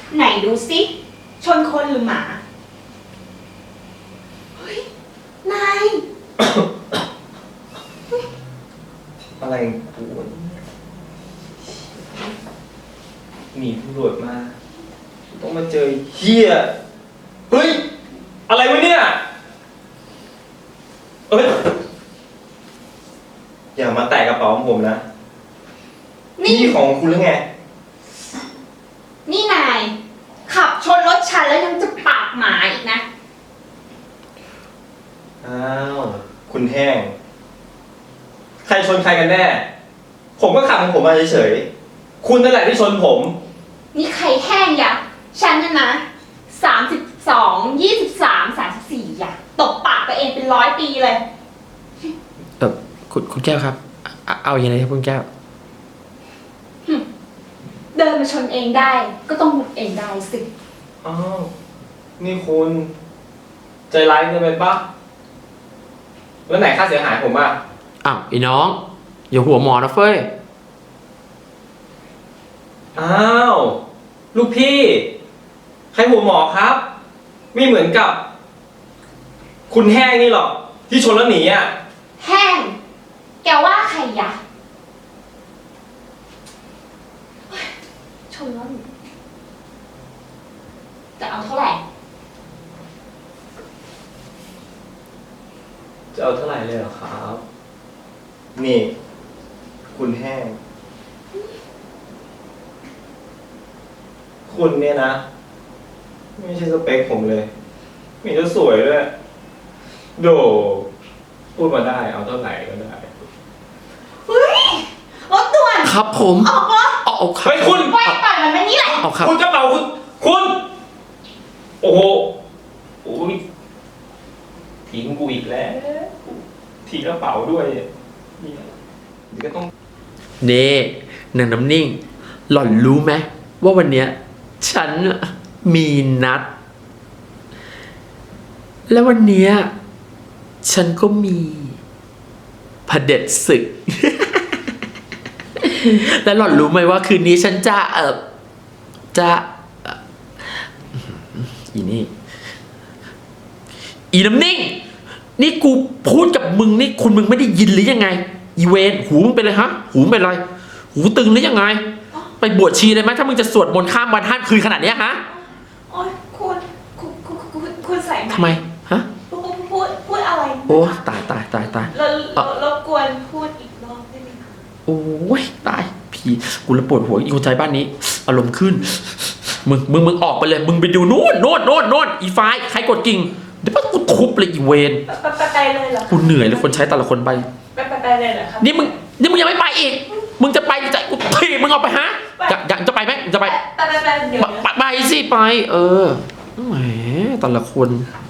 ไหนดูสิชนคนหรือหมาเฮ้ยนายอะไรกูหนีตำรวจมาต้องมาเจอเฮียเฮ้ยอะไรวะเนี่ยเอ้ยอย่ามาแตะกระเป๋าของผมนะนี่ของคุณหรือไงนี่นายขับชนรถฉันแล้วยังจะปากหมาอีกนะอ้าวคุณแห้งใครชนใครกันแน่ผมก็ขับของผมมาเฉยๆคุณนั่นแหละที่ชนผมนี่ใครแห้งยะฉันน่ะนะ32 23 34อย่ะตบปากตัวเองเป็น100 ปีเลยคุณแก้วครับเอาอย่างไรครับคุณแก้วเดินมาชนเองได้ก็ต้องหยุดเองได้สิอ้าวนี่คุณใจร้ายเกินไปปะแล้วไหนค่าเสียหายผมอ่ะอ้าวไอ้น้องอย่าหัวหมอนะเฟ้ยอ้าวลูกพี่ใครหัวหมอครับไม่เหมือนกับคุณแห้งนี่หรอกที่ชนแล้วหนีอ่ะแห้งแกว่าใครยะชนแล้วจะเอาเท่าไหร่จะเอาเท่าไหร่เลยเหรอครับนี่คุณแห้งคุณเนี่ยนะไม่ใช่สเปคผมเลยไม่จะสวยด้วยโดพูดมาได้เอาเท่าไหร่ก็ได้เฮ้ยรถด่วนครับผมออกรถออกครับเฮ้ยคุณไว้ปล่อยมันไม่นี่แหละคุณกระเป๋าคุณโอ้โหโอ้ยทิ้งกูอีกแล้วทิ้งกระเป๋าด้วยนี่ก็ต้องเน่นางน้ำนิ่งหล่อนรู้ไหมว่าวันเนี้ยฉันมีนัดแล้ววันเนี้ยฉันก็มีเผด็จศึก แล้วหล่อนรู้ไหมว่าคืนนี้ฉันจะอีนี่อีน้ำนิ่งนี่กูพูดกับมึงนี่คุณมึงไม่ได้ยินหรือยังไงอีเวนหูมึงเป็นไรฮะหูมึงเป็นไรหูตึงหรือยังไงไปบวชชีเลยไหมถ้ามึงจะสวดมนต์ข้ามวันข้ามคืนขนาดนี้ฮะโอ๊ยคุณใส่ทำไมฮะพูดอะไรโอ้ตายรบกวนพูดอีกรอบได้ไหมคะโอ้ยตายพี่กูระปวดหัวอีคนใจบ้านนี้อารมณ์ขึ้นมึงออกไปเลยมึงไปดูโน่นอีไฟใครกดกิ่งเดี๋ยวกูทุบเลยอีเวนไปเลยเหรอกูเหนื่อยเลยคนใช้แต่ละคนไปเลยเหรอครับนี่มึงยังไม่ไปอีกมึงจะไปจะกูพี่มึงออกไปฮะจะไปไหมจะไปเดี๋ยวไปสิไปแหมแต่ละคน